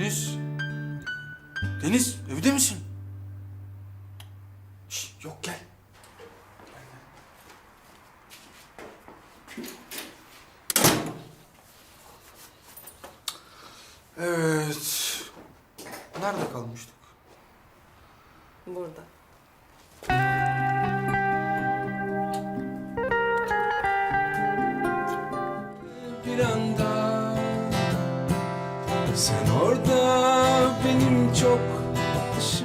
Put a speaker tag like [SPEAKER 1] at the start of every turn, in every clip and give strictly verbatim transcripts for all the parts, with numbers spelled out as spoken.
[SPEAKER 1] Deniz. Deniz, evde misin? Şş, yok gel. Evet. Nerede kalmıştık?
[SPEAKER 2] Burada.
[SPEAKER 3] Bir anda sen orada benim çok dışım.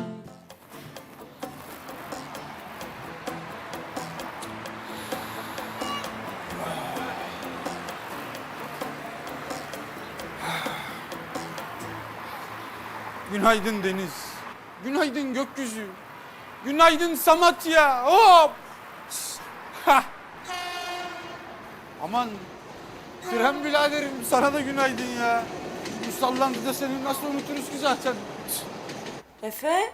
[SPEAKER 1] Günaydın Deniz. Günaydın gökyüzü. Günaydın Samatya. Hop! Hah! Aman Krem biraderim sana da günaydın ya. Bu sallantıda seni nasıl unuturuz ki zaten.
[SPEAKER 2] Efe?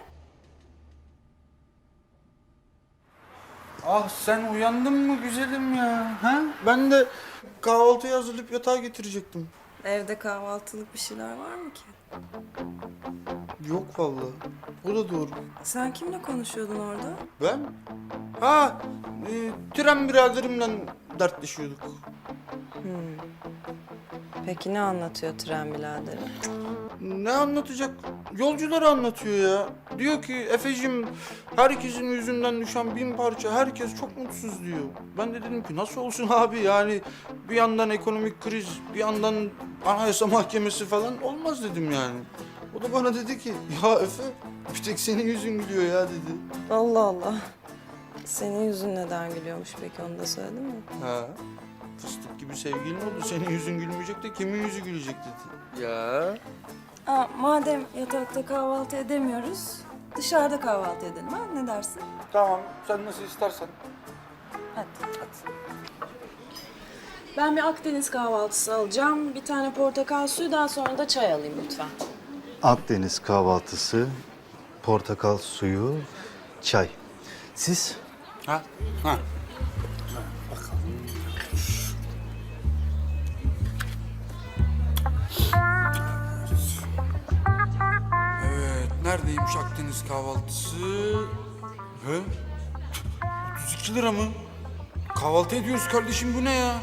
[SPEAKER 1] Ah sen uyandın mı güzelim ya? Ha? Ben de kahvaltıyı hazırlayıp yatağa getirecektim.
[SPEAKER 2] Evde kahvaltılık bir şeyler var mı ki?
[SPEAKER 1] Yok vallahi. O da doğru.
[SPEAKER 2] Sen kimle konuşuyordun orada?
[SPEAKER 1] Ben? Ha, e, Tren biraderimle dertleşiyorduk.
[SPEAKER 2] Peki ne anlatıyor tren biraderi?
[SPEAKER 1] Ne anlatacak? Yolcuları anlatıyor ya. Diyor ki Efe'cim herkesin yüzünden düşen bin parça, herkes çok mutsuz diyor. Ben de dedim ki nasıl olsun abi yani bir yandan ekonomik kriz, bir yandan anayasa mahkemesi falan olmaz dedim yani. O da bana dedi ki ya Efe bir tek senin yüzün gülüyor ya dedi.
[SPEAKER 2] Allah Allah. Senin yüzün neden gülüyormuş peki, onu da söyledin mi?
[SPEAKER 1] Ha. Fıstık gibi sevgilin oldu. Senin yüzün gülmeyecek de kimin yüzü gülecek dedi. Ya.
[SPEAKER 2] Aa, madem yatakta kahvaltı edemiyoruz, dışarıda kahvaltı edelim ha? Ne dersin?
[SPEAKER 1] Tamam sen nasıl istersen.
[SPEAKER 2] Hadi. Ben bir Akdeniz kahvaltısı alacağım. Bir tane portakal suyu, daha sonra da çay alayım lütfen.
[SPEAKER 4] Akdeniz kahvaltısı, portakal suyu, çay. Siz?
[SPEAKER 1] Ha? Ha. Evet, neredeymiş Akdeniz kahvaltısı? He? otuz iki lira mı? Kahvaltı ediyoruz kardeşim, bu ne ya?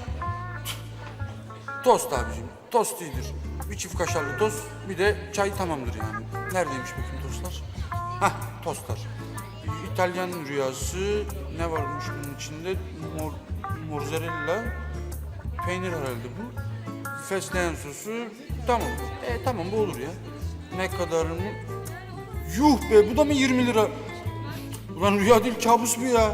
[SPEAKER 1] Tost abicim, tost iyidir. Bir çift kaşarlı tost, bir de çay tamamdır yani. Neredeymiş bakayım tostlar? Hah, tostlar. İtalyan rüyası, ne varmış bunun içinde? Mor, mozzarella, peynir herhalde bu. Fesleğen sosu, tamam. E tamam bu olur ya. Ne kadar mı? Yuh be, bu da mı yirmi lira? Ulan rüya değil, kabus bu ya.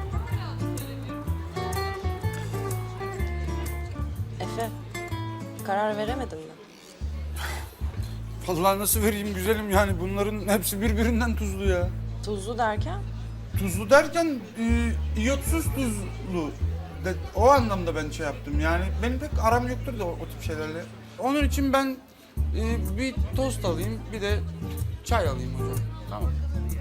[SPEAKER 2] Efe, karar veremedin mi?
[SPEAKER 1] Vallahi nasıl vereyim güzelim yani, bunların hepsi birbirinden tuzlu ya.
[SPEAKER 2] Tuzlu derken?
[SPEAKER 1] Tuzlu derken e, iyotsuz tuzlu. De, o anlamda ben şey yaptım yani, benim pek aram yoktur da o, o tip şeylerle. Onun için ben e, bir tost alayım, bir de çay alayım hocam. Tamam.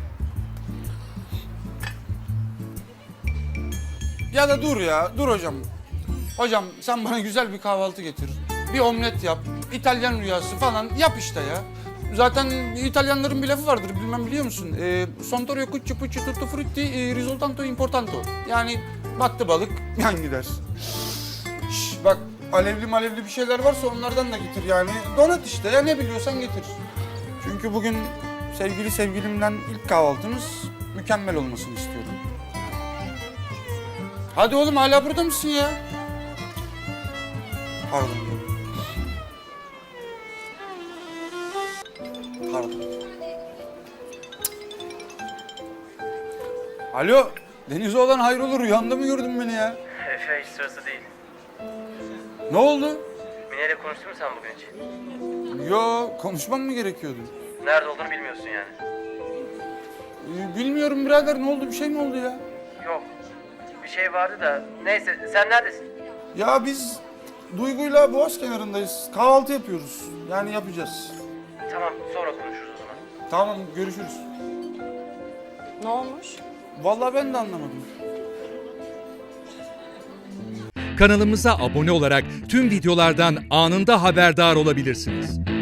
[SPEAKER 1] Ya da dur ya, dur hocam. Hocam sen bana güzel bir kahvaltı getir. Bir omlet yap, İtalyan rüyası falan yap işte ya. Zaten İtalyanların bir lafı vardır, bilmem biliyor musun? E, Sontorio cucci pucci tutto frutti e, risoltanto importanto. Yani battı balık yan gider. Şş, bak alevli malevli bir şeyler varsa onlardan da getir yani. Donat işte ya, ne biliyorsan getir. Çünkü bugün sevgili sevgilimden ilk kahvaltımız mükemmel olmasını istiyorum. Hadi oğlum, hala burada mısın ya? Pardon. Pardon. Alo, Denizoğlan hayrola, rüyanda mı gördün beni ya?
[SPEAKER 5] Efe hiç sırası değil.
[SPEAKER 1] Ne oldu?
[SPEAKER 5] Mine ile konuştun mu sen bugün hiç?
[SPEAKER 1] Yo, konuşmam mı gerekiyordu?
[SPEAKER 5] Nerede olduğunu bilmiyorsun yani.
[SPEAKER 1] Ee, bilmiyorum birader, ne oldu, bir şey mi oldu ya?
[SPEAKER 5] Yok. Bir şey vardı da. Neyse, sen neredesin?
[SPEAKER 1] Ya biz Duygu'yla Boğaz kenarındayız, kahvaltı yapıyoruz. Yani yapacağız.
[SPEAKER 5] Tamam, sonra konuşuruz o zaman.
[SPEAKER 1] Tamam, görüşürüz.
[SPEAKER 2] Ne olmuş?
[SPEAKER 1] Vallahi ben de anlamadım.
[SPEAKER 6] Kanalımıza abone olarak tüm videolardan anında haberdar olabilirsiniz.